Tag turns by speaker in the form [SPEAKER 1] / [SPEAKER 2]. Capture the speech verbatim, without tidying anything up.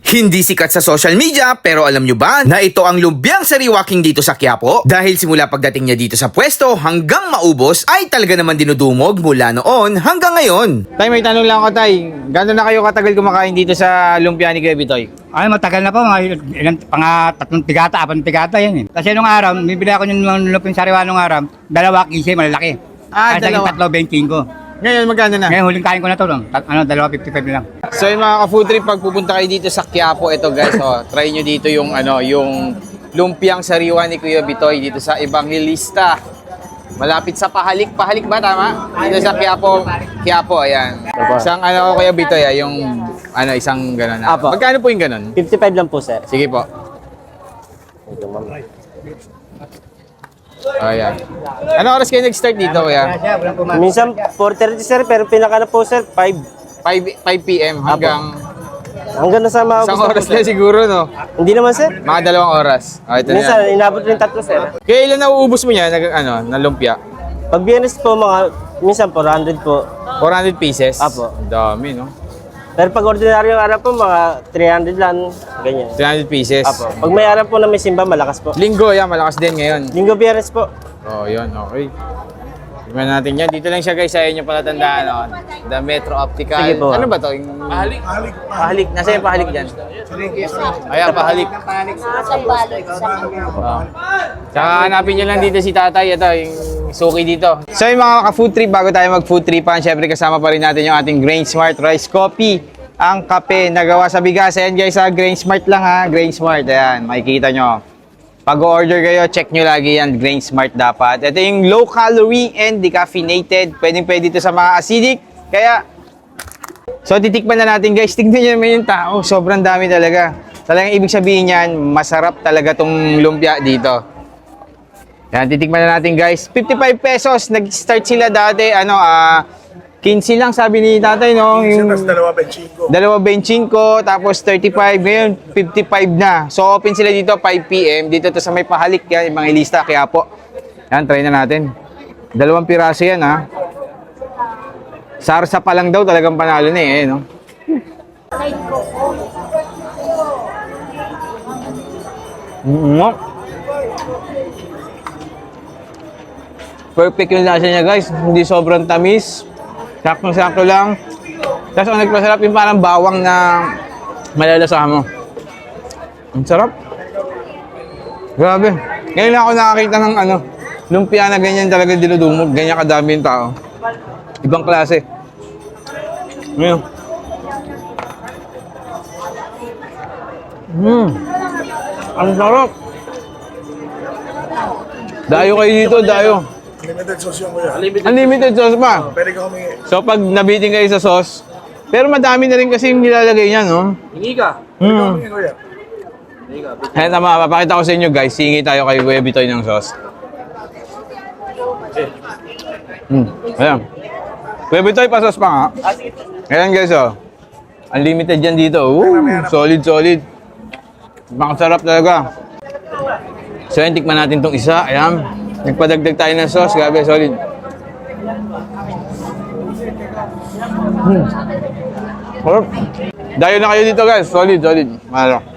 [SPEAKER 1] Hindi sikat sa social media pero alam nyo ba na ito ang lumpiang sariwa king dito sa Quiapo? Dahil simula pagdating niya dito sa pwesto hanggang maubos ay talaga naman dinudumog mula noon hanggang ngayon.
[SPEAKER 2] Tay, may tanong lang ako, Tay. Gano'n na kayo katagal kumakain dito sa lumpia ni Kuya Bitoy?
[SPEAKER 3] Ay, matagal na po, mga ilang, pang tatlong tigata, apang tigata yan eh. Kasi nung araw, bibili ako ng lupin sariwa nung araw, dalawa kise, malalaki.
[SPEAKER 2] Ah,
[SPEAKER 3] Ay,
[SPEAKER 2] dalawa.
[SPEAKER 3] tatlo, twenty ko.
[SPEAKER 2] Ngayon, magkano na?
[SPEAKER 3] Ngayon, huling kain ko na to, no? Tat- ano, dalawa, fifty-five na lang.
[SPEAKER 2] So yung mga ka-food trip, pag pupunta kayo dito sa Quiapo, ito guys, oh, try nyo dito yung, ano, yung lumpiang sariwa ni Kuya Bitoy dito sa Evangelista. Malapit sa Pahalik. Pahalik ba, tama? Dito sa Quiapo. Quiapo, ayan. Isang ano ko Kuya Bitoy, ah, yung ano, isang gano'n. Ah.
[SPEAKER 4] Apo.
[SPEAKER 2] Magkano po yung gano'n?
[SPEAKER 4] fifty-five lang po, sir.
[SPEAKER 2] Sige po. Ayan. Ano oras kayo nag-start dito, Kuya?
[SPEAKER 4] Minsan four thirty, sir, pero pinaka na po, sir, five.
[SPEAKER 2] five p m hanggang
[SPEAKER 4] Hanggang nasa mga
[SPEAKER 2] isang oras na siguro, no?
[SPEAKER 4] Hindi naman, sir.
[SPEAKER 2] Mga dalawang oras. Okay, ito na yan.
[SPEAKER 4] Minsan, inabot rin tatlo, sir.
[SPEAKER 2] Kaya ilan nauubos mo niya, nag, ano, na lumpia?
[SPEAKER 4] Pag biyernes po, mga, minsan four hundred po.
[SPEAKER 2] four hundred pieces?
[SPEAKER 4] Apo.
[SPEAKER 2] Ang dami, no?
[SPEAKER 4] Pero pag ordinaryong araw po, mga three hundred lang, ganyan.
[SPEAKER 2] three hundred pieces.
[SPEAKER 4] Apo. Pag may araw po na may simba, malakas po.
[SPEAKER 2] Linggo, yan, malakas din ngayon.
[SPEAKER 4] Linggo, biyernes po.
[SPEAKER 2] Oh, yun, okay. Tingnan natin yan. Dito lang siya guys, sa inyo pala tandaan, no? The Metro Optical.
[SPEAKER 4] Sige po.
[SPEAKER 2] Ano ba to? Yung... Pahalik. Pahalik. Nasa yung pahalik dyan? Ayan, pahalik. Oh. Tsaka hanapin nyo lang dito si tatay. Ito, yung suki dito. So yung mga ka-food trip, bago tayo mag-food tripan, syempre kasama pa rin natin yung ating Grain Smart Rice Coffee. Ang kape na gawa sa bigas. Ayan guys, ha, Grain Smart lang ha. Grain Smart. Ayan, makikita nyo. Pag-order kayo, check nyo lagi yan. Grain Smart dapat. Ito yung low calorie and decaffeinated. Pwedeng pwede ito sa mga acidic. Kaya, so titikman na natin guys. Tignan nyo naman yung tao. Sobrang dami talaga. Talagang ibig sabihin yan, masarap talaga tong lumpia dito. Yan, titikman na natin guys. fifty-five pesos. Nag-start sila dati. Ano, ah... quinze lang sabi ni tatay, no? Yung
[SPEAKER 5] dalawa benching ko.
[SPEAKER 2] dalawa benching ko, tapos thirty-five, ngayon fifty-five na. So open sila dito five p m Dito to sa may pahalik yan, yung mga ilista, kaya po. Yan, try na natin. Dalawang piraso yan, ha. Sarsa pa lang daw, talagang panalo na eh, no? Mm-hmm. Perfect yung lasa niya, guys. Hindi sobrang tamis. Saktong-sakto lang. Tapos ang nagpasarap yung parang bawang na malalasahan mo. Ang sarap. Grabe. Ngayon lang ako nakakita ng ano, lumpia na ganyan talaga dinudumog. Ganyan kadami yung tao. Ibang klase. Ngayon. Mmm. Ang sarap. Dayo kayo dito, dayo.
[SPEAKER 5] Limited sauce yung kuya.
[SPEAKER 2] Unlimited sauce pa.
[SPEAKER 5] Pwede ka humingi.
[SPEAKER 2] So pag nabitin kayo sa sauce, pero madami na rin kasi yung nilalagay niya, no?
[SPEAKER 5] Hingi ka. Pwede ka
[SPEAKER 2] Hmm.
[SPEAKER 5] humingi kuya.
[SPEAKER 2] Kaya tama, papakita ko sa inyo guys, hingi tayo kay Kuya Bitoy ng sauce. Hmm, ayan. Kuya Bitoy, pa-sauce pa nga. Ayan guys, oh. Unlimited yan dito. Ooh, solid, solid. Makasarap talaga. So yun, tikman natin tong isa. Ayan. Nagpadagdag tayo ng sauce. Grabe, solid. Hmm. Sarap. Dayo na kayo dito guys. Solid, solid. Malo.